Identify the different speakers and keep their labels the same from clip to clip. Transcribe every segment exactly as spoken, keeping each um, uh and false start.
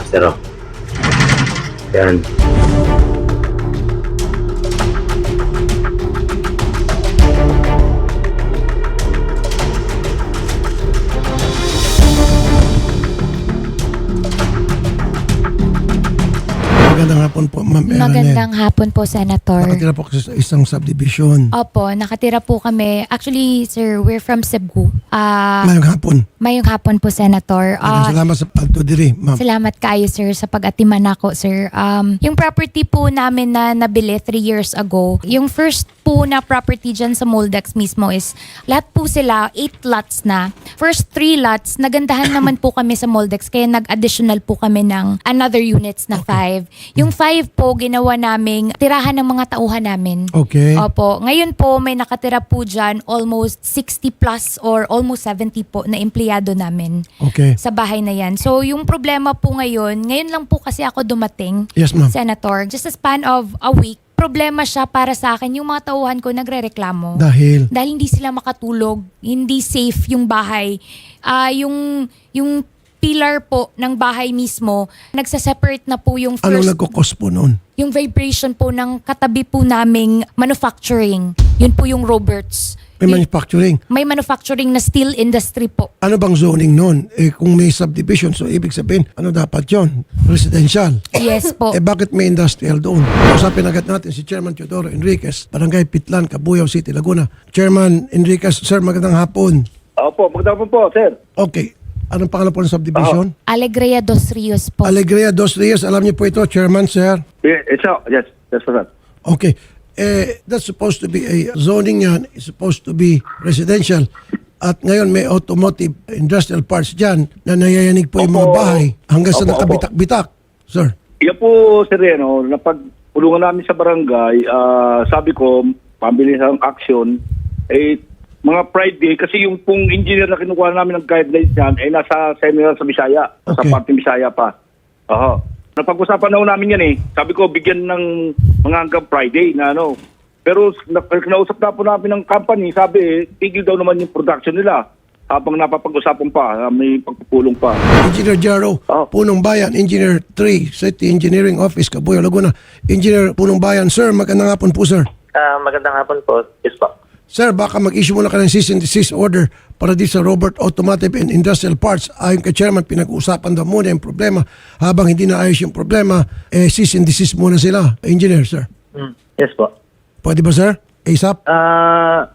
Speaker 1: Sir, oh. Yan.
Speaker 2: Magandang hapon po, Ma'am Ellen.
Speaker 3: Magandang hapon po, Senator.
Speaker 2: Nakatira po kasi sa isang subdivision.
Speaker 3: Opo, nakatira po kami. Actually, sir, we're from Cebu. Ah,
Speaker 2: Mayong hapon.
Speaker 3: mayong hapon po, Senator.
Speaker 2: Maraming
Speaker 3: Ah,
Speaker 2: salamat sa pagtudiri, Ma'am.
Speaker 3: Salamat kayo, sir, sa pag-atiman ako, sir. Um, yung property po namin na nabili three years ago, yung first po na property dyan sa Moldex mismo is, lahat po sila, eight lots na. First three lots, nagandahan naman po kami sa Moldex, kaya nag-additional po kami ng another units na five. Yung five po, ginawa naming tirahan ng mga tauhan namin.
Speaker 2: Okay.
Speaker 3: Opo. Ngayon po, may nakatira po dyan almost sixty plus or almost seventy po na empleyado namin
Speaker 2: Okay.
Speaker 3: sa bahay na yan. So, yung problema po ngayon, ngayon lang po kasi ako dumating,
Speaker 2: Yes, Ma'am.
Speaker 3: Senator, just a span of a week, problema siya para sa akin, yung mga tauhan ko nagre-reklamo.
Speaker 2: Dahil,
Speaker 3: Dahil hindi sila makatulog, hindi safe yung bahay. Ah, yung, yung pillar po ng bahay mismo, nagsaseparate na po yung
Speaker 2: anong
Speaker 3: first,
Speaker 2: nagkukos po noon?
Speaker 3: yung vibration po ng katabi po naming manufacturing. Yun po yung Roberts.
Speaker 2: May
Speaker 3: Yung-
Speaker 2: manufacturing.
Speaker 3: may manufacturing na steel industry po.
Speaker 2: Ano bang zoning noon? Eh, kung may subdivision, so ibig sabihin, ano dapat yon? Residential.
Speaker 3: Yes po.
Speaker 2: Eh, bakit may industrial doon? Usapin agad natin si Chairman Teodoro Enriquez, Barangay Pitlan, Cabuyao City, Laguna. Chairman Enriquez, sir, magandang hapon.
Speaker 4: Opo, magandang po, sir.
Speaker 2: Okay. Anong pangalan po ng subdivision?
Speaker 3: Alegria dos Rios po.
Speaker 2: Alegria Dos Rios. Alam niyo po ito, Chairman, sir.
Speaker 4: Yeah, it's a, yes, that's for that.
Speaker 2: Okay. Eh, that's supposed to be a zoning yan. It's supposed to be residential. At ngayon may automotive industrial parts dyan na nayayanig po yung mga
Speaker 4: Opo.
Speaker 2: bahay hanggang sa
Speaker 4: Opo, opo.
Speaker 2: nakabitak-bitak. Sir.
Speaker 4: Yan po, sir, ano, napagpulungan namin sa barangay, ah, sabi ko, pambili ng action, eh, mga Friday, kasi yung pong engineer na kinukuha namin ng guidelines niyan, ay nasa seminar sa Bisaya, sa
Speaker 2: Okay.
Speaker 4: parte Bisaya pa. Oo. Napag-usapan na namin yan eh. Sabi ko, bigyan ng mga hanggang Friday na ano. Pero na- kinausap na po namin ng company, sabi eh, tigil daw naman yung production nila habang napapag-usapan pa, ah, may pagpupulong pa.
Speaker 2: Engineer Jaro,
Speaker 4: Oh.
Speaker 2: Punong Bayan, Engineer three, City Engineering Office, Cabuyao, Laguna. Engineer Punong Bayan, sir, magandang hapon po, sir.
Speaker 5: Ah, magandang hapon po. Yes po.
Speaker 2: Sir, baka mag-issue muna ka ng cease and desist order para di sa Robert Automotive and Industrial Parts. Ayon kay Chairman, pinag-uusapan daw muna yung problema. Habang hindi naayos yung problema, eh, cease and desist muna sila. Engineer, sir.
Speaker 5: Mm, yes po.
Speaker 2: Pwede ba, sir? ASAP?
Speaker 5: Ah,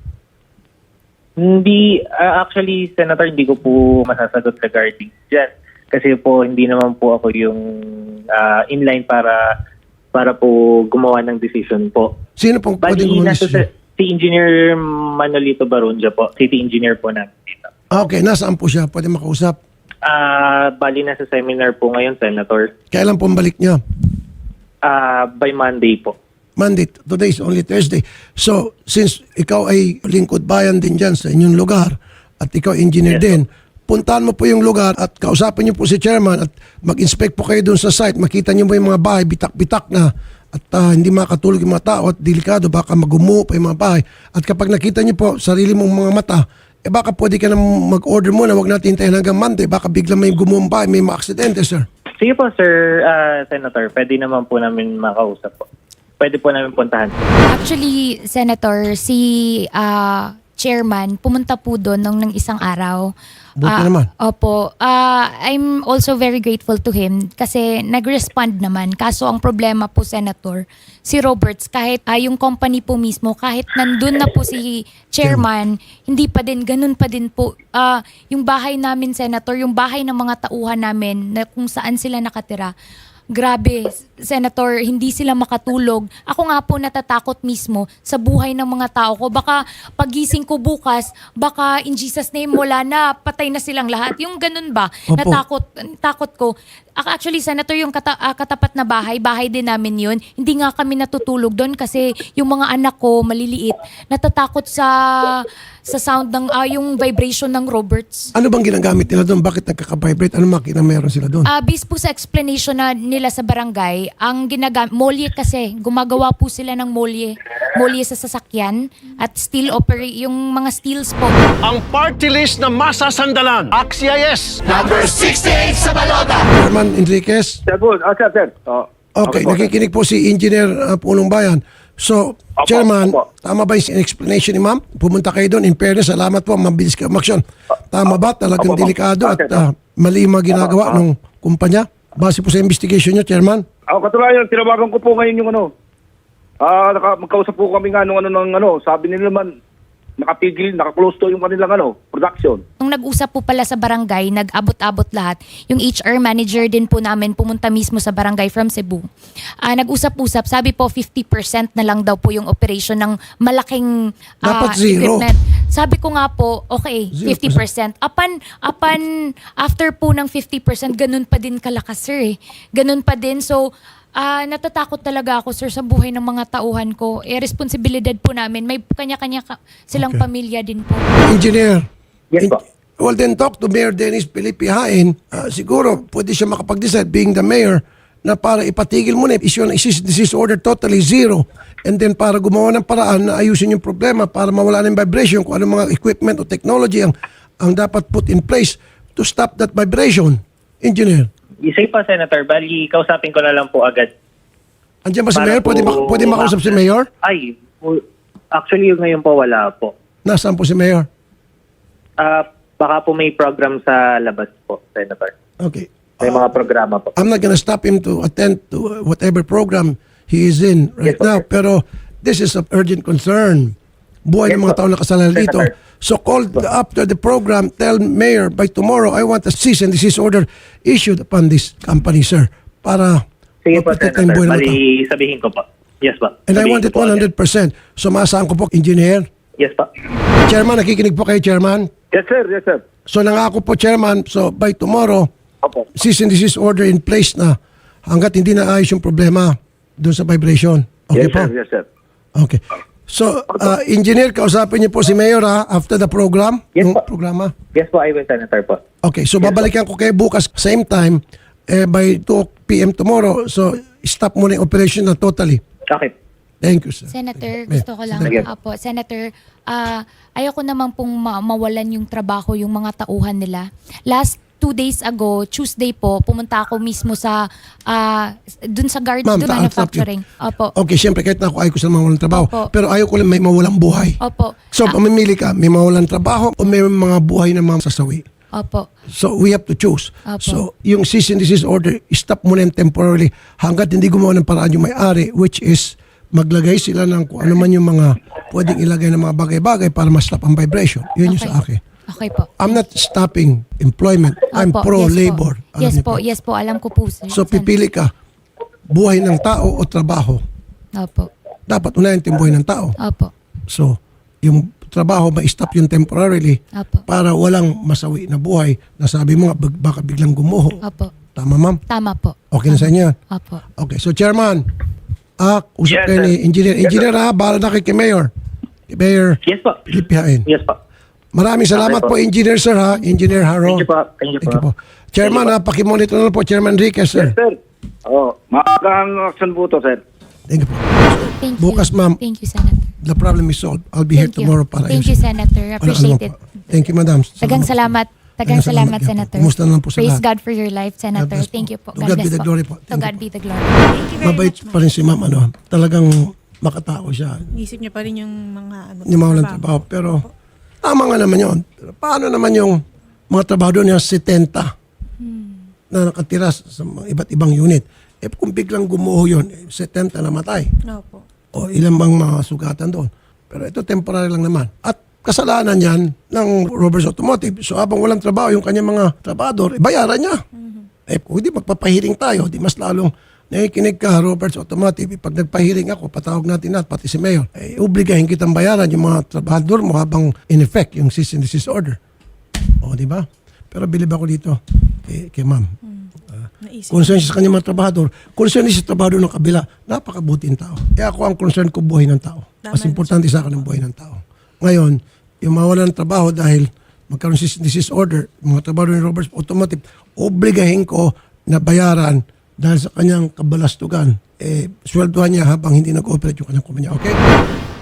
Speaker 5: hindi, ah, actually, Senator, hindi ko po masasagot regarding dyan. Kasi po, hindi naman po ako yung ah, inline para para po gumawa ng decision po.
Speaker 2: Sino pong pwedeng
Speaker 5: Bali, nasa
Speaker 2: gumawa?
Speaker 5: si Engineer Manolito Barunja po, City Engineer po natin dito.
Speaker 2: Ah, okay. Nasaan po siya? Pwede makausap.
Speaker 5: Ah, bali, nasa seminar po ngayon, Senator.
Speaker 2: Kailan po ang balik niya?
Speaker 5: Ah, by Monday po.
Speaker 2: Monday. Today is only Thursday. So, since ikaw ay lingkod bayan din dyan sa inyong lugar at ikaw engineer
Speaker 5: Yes,
Speaker 2: din, puntahan mo po yung lugar at kausapin niyo po si chairman at mag-inspect po kayo doon sa site. Makita niyo po yung mga bahay, bitak-bitak na at ah, hindi makatulog yung mga tao at delikado, baka magumuho pa yung mga bahay. At kapag nakita niyo po sarili mong mga mata, eh baka pwede ka na mag-order muna, wag natin hintayin hanggang Monday. Baka biglang may gumuhong bahay, may mga aksidente, sir.
Speaker 5: Sige po, Sir ah, Senator. Pwede naman po namin makausap po. Pwede po namin puntahan.
Speaker 3: Actually, Senator, si ah, chairman pumunta po doon nung ng isang araw.
Speaker 2: Buti
Speaker 3: Ah,
Speaker 2: naman.
Speaker 3: Opo. Ah, I'm also very grateful to him kasi nag-respond naman. Kaso ang problema po, Senator, si Roberts, kahit ah, yung company po mismo, kahit nandun na po si chairman, hindi pa din, ganun pa din po. Ah, yung bahay namin, Senator, yung bahay ng mga tauhan namin na kung saan sila nakatira, grabe, Senator, hindi sila makatulog. Ako nga po natatakot mismo sa buhay ng mga tao ko. Baka pagising ko bukas, baka in Jesus name wala na, patay na silang lahat. Yung ganun ba?
Speaker 2: Opo.
Speaker 3: Natakot, takot ko. Actually, Senator, yung kata, ah, katapat na bahay, bahay din namin yun. Hindi nga kami natutulog doon kasi yung mga anak ko, maliliit, natatakot sa sa sound ng, ah, yung vibration ng Roberts.
Speaker 2: Ano bang ginagamit nila doon? Bakit nagkaka-vibrate? Ano makina meron sila doon?
Speaker 3: Ah, based po sa explanation na nila sa barangay, ang ginagamit, molye kasi, gumagawa po sila ng molye. molye sa sasakyan at steel operate yung mga steels po.
Speaker 6: Ang party list na masasandalan. Axies!
Speaker 2: Chairman Enriquez.
Speaker 4: Sir po, ah, sir, sir. Oh,
Speaker 2: Okay,
Speaker 4: po, sir.
Speaker 2: nakikinig po si Engineer uh, Punong Bayan. So,
Speaker 4: Opo,
Speaker 2: Chairman,
Speaker 4: opo.
Speaker 2: tama ba yung explanation ni ma'am? Pumunta kayo doon. In fairness, salamat po. Mabilis kayo umaksyon. Tama ba? Talagang
Speaker 4: Opo, opo.
Speaker 2: delikado at
Speaker 4: Okay,
Speaker 2: uh, mali yung mga ginagawa
Speaker 4: Opo.
Speaker 2: ng kumpanya? Base po sa investigation nyo, Chairman?
Speaker 4: Ako katulayan, tinawagan ko po ngayon yung ano. Ah, naka, magkausap po kami nga nung ano ng ano, sabi nila naman nakapigil, naka-close to yung kanilang ano, production.
Speaker 3: Nung nag-usap po pala sa barangay, nag-abot-abot lahat. Yung H R manager din po namin pumunta mismo sa barangay from Cebu. Ah, nag-usap-usap, sabi po fifty percent na lang daw po yung operation ng malaking ah,
Speaker 2: Dapat zero.
Speaker 3: equipment. Sabi ko nga po, okay,
Speaker 2: Zero
Speaker 3: fifty percent. Apan, apan, after po ng fifty percent, ganun pa din kalakas, sir eh. Ganun pa din. So, Ah, natatakot talaga ako, sir, sa buhay ng mga tauhan ko. Eh, responsibilidad po namin. May kanya-kanya ka- silang
Speaker 2: Okay.
Speaker 3: pamilya din po.
Speaker 2: Engineer.
Speaker 5: Yes po.
Speaker 2: Well, then talk to Mayor Dennis Felipe Hain. Ah, siguro, pwede siya makapag-decide, being the mayor, na para ipatigil muna, issue ng cease and desist order totally zero. And then para gumawa ng paraan na ayusin yung problema para mawala ng vibration kung anong mga equipment o technology ang, ang dapat put in place to stop that vibration. Engineer.
Speaker 5: Isay pa, Senator. Bali, kausapin ko na lang po agad.
Speaker 2: Andiyan ba si
Speaker 5: Para
Speaker 2: Mayor? Pwede,
Speaker 5: po-
Speaker 2: ma- pwede makausap si Mayor?
Speaker 5: Ay, w- actually, yung ngayon po wala po.
Speaker 2: Nasaan po si Mayor?
Speaker 5: Ah, baka po may program sa labas po, Senator.
Speaker 2: Okay.
Speaker 5: May mga programa po.
Speaker 2: I'm not gonna stop him to attend to whatever program he is in right
Speaker 5: Yes, sir.
Speaker 2: now. Pero this is of urgent concern. Buhay
Speaker 5: Yes,
Speaker 2: ng mga
Speaker 5: sir.
Speaker 2: tao na kasalanan dito.
Speaker 5: Senator.
Speaker 2: So call the- after the program, tell Mayor, by tomorrow, I want a cease and desist order issued upon this company, sir. Para
Speaker 5: Sige po,
Speaker 2: maprotekta yung
Speaker 5: Senator.
Speaker 2: buhay ng mga tao.
Speaker 5: Bali, sabihin ko po. Yes po.
Speaker 2: And I
Speaker 5: Sabihin
Speaker 2: want
Speaker 5: ko
Speaker 2: it
Speaker 5: po
Speaker 2: one hundred percent. So maasahan ko po, Engineer.
Speaker 5: agad. Yes po.
Speaker 2: Chairman, nakikinig po kayo, Chairman.
Speaker 4: Yes, sir, yes, sir.
Speaker 2: So nangako po, Chairman, so by tomorrow,
Speaker 4: Opo.
Speaker 2: cease and desist order in place na hanggat hindi na ayos yung problema doon sa vibration. Okay
Speaker 4: Yes,
Speaker 2: po?
Speaker 4: sir, yes, sir.
Speaker 2: Okay. So, uh, engineer, kausapin niyo po si Mayor ha, after the program,
Speaker 5: Yes,
Speaker 2: yung
Speaker 5: po.
Speaker 2: programa.
Speaker 5: Yes po, I will, Senator po.
Speaker 2: Okay, so babalikan ko kayo bukas same time eh, by two p.m. tomorrow. So, stop muna yung operation na totally.
Speaker 5: Okay.
Speaker 2: Thank you, sir.
Speaker 3: Senator,
Speaker 2: Mayor,
Speaker 3: gusto ko lang,
Speaker 5: Sige.
Speaker 3: apo, Senator, ah, ayoko naman pong ma- mawalan yung trabaho yung mga tauhan nila. Last two days ago, Tuesday po, pumunta ako mismo sa, ah, dun sa guard,
Speaker 2: Ma'am,
Speaker 3: dun
Speaker 2: ta-
Speaker 3: manufacturing. Opo.
Speaker 2: Okay, siyempre kahit na ako ayaw ko sa mawalan trabaho,
Speaker 3: Opo.
Speaker 2: pero ayaw ko lang may mawalang buhay.
Speaker 3: Opo.
Speaker 2: So,
Speaker 3: Ah,
Speaker 2: mamimili ka, may mawalan trabaho o may mga buhay na mga sasawi.
Speaker 3: Opo.
Speaker 2: So, we have to choose.
Speaker 3: Opo.
Speaker 2: So, yung cease and desist order, stop muna yan temporarily hanggat hindi gumawa ng paraan yung may-ari, which is maglagay sila ng kung ano man yung mga pwedeng ilagay ng mga bagay-bagay para ma-stop ang vibration. Yun yung
Speaker 3: Okay.
Speaker 2: sa akin.
Speaker 3: Okay po.
Speaker 2: I'm not stopping employment. I'm
Speaker 3: Opo,
Speaker 2: pro-labor.
Speaker 3: Yes po.
Speaker 2: Alam
Speaker 3: Yes
Speaker 2: niyo
Speaker 3: po, yes po, alam ko po, sir.
Speaker 2: So,
Speaker 3: Sen-
Speaker 2: pipili ka, buhay ng tao o trabaho.
Speaker 3: Opo.
Speaker 2: Dapat unahin yung buhay ng tao.
Speaker 3: Opo.
Speaker 2: So, yung trabaho, ma-stop yun temporarily
Speaker 3: Opo.
Speaker 2: para walang masawi na buhay na sabi mo nga, bag- baka biglang gumuho.
Speaker 3: Opo.
Speaker 2: Tama, ma'am?
Speaker 3: Tama po.
Speaker 2: Okay na sa inyo yan?
Speaker 3: Opo.
Speaker 2: Okay, so Chairman, ah, usap
Speaker 4: Yes,
Speaker 2: kayo
Speaker 4: sir.
Speaker 2: ni Engineer. Engineer ha, bahala na kay kay Mayor. Kay Mayor
Speaker 5: Yes po.
Speaker 2: Felipe Hain.
Speaker 5: Yes po.
Speaker 2: Maraming salamat
Speaker 5: Okay
Speaker 2: po,
Speaker 5: po.
Speaker 2: Engineer sir ha, Engineer Haro.
Speaker 5: Thank you po. Thank you po.
Speaker 2: Chairman ha, pakimonitor na lang po, Chairman Enriquez sir.
Speaker 4: Yes, sir. Oh, maagang action po to, sir.
Speaker 2: Thank you po.
Speaker 3: Thank you.
Speaker 2: Bukas, ma'am.
Speaker 3: Thank you, Senator.
Speaker 2: The problem is solved. I'll be here
Speaker 3: Thank you.
Speaker 2: tomorrow para
Speaker 3: Thank you,
Speaker 2: ayusin.
Speaker 3: Senator.
Speaker 2: Walang
Speaker 3: Appreciate
Speaker 2: anuman
Speaker 3: it.
Speaker 2: po. Thank you, madam.
Speaker 3: Tagang salamat. Tagang
Speaker 2: Tagang salamat
Speaker 3: salamat,
Speaker 2: yan po.
Speaker 3: Senator.
Speaker 2: Kumusta na lang po sa
Speaker 3: Praise
Speaker 2: lahat.
Speaker 3: God for your life, Senator.
Speaker 2: bless po.
Speaker 3: Thank you po.
Speaker 2: To God be
Speaker 3: bless
Speaker 2: the glory po.
Speaker 3: To
Speaker 2: Thank
Speaker 3: God
Speaker 2: you
Speaker 3: be the glory.
Speaker 7: Thank you very
Speaker 2: Mabait
Speaker 7: much,
Speaker 2: pa rin si ma'am. Ano, talagang makatao siya.
Speaker 7: ma'am. Isip niya pa rin yung mga ano.
Speaker 2: Hindi mawalan trabaho. Pero tama nga naman yun. Pero paano naman yung mga trabahador niya setenta na nakatira sa mga iba't ibang unit? Eh kung biglang gumuho yun, eh, setenta namatay.
Speaker 7: Opo.
Speaker 2: O ilang bang mga sugatan doon. Pero ito temporary lang naman. At kasalanan yan ng Roberts Automotive. So habang walang trabaho yung kanyang mga trabador, eh, bayaran niya. Eh kung hindi magpapahiring tayo, di mas lalong nakikinig ka, Roberts Automotive. Eh, pag nagpahiring ako, patawag natin natin, pati si Mayor. Eh, obligahin kitang bayaran yung mga trabador mo habang in effect yung cease and desist order. O, di ba? Pero bilib ako dito kay, kay ma'am.
Speaker 7: Naisip.
Speaker 2: Concern siya sa kanyang mga trabahador. Concern siya sa trabahador ng kabila. Napakabuting tao. Kaya ako ang concern ko buhay ng tao. Mas
Speaker 7: Tama
Speaker 2: importante sa akin ang buhay ng tao. Ngayon, yung mawalan ng trabaho dahil magkaroon cease and desist order, yung mga trabahador ni Roberts Automotive, obligahin ko na bayaran dahil sa kanyang kabalastugan eh, sweldohan niya habang hindi nag-ooperate yung kanyang kumpanya. Okay?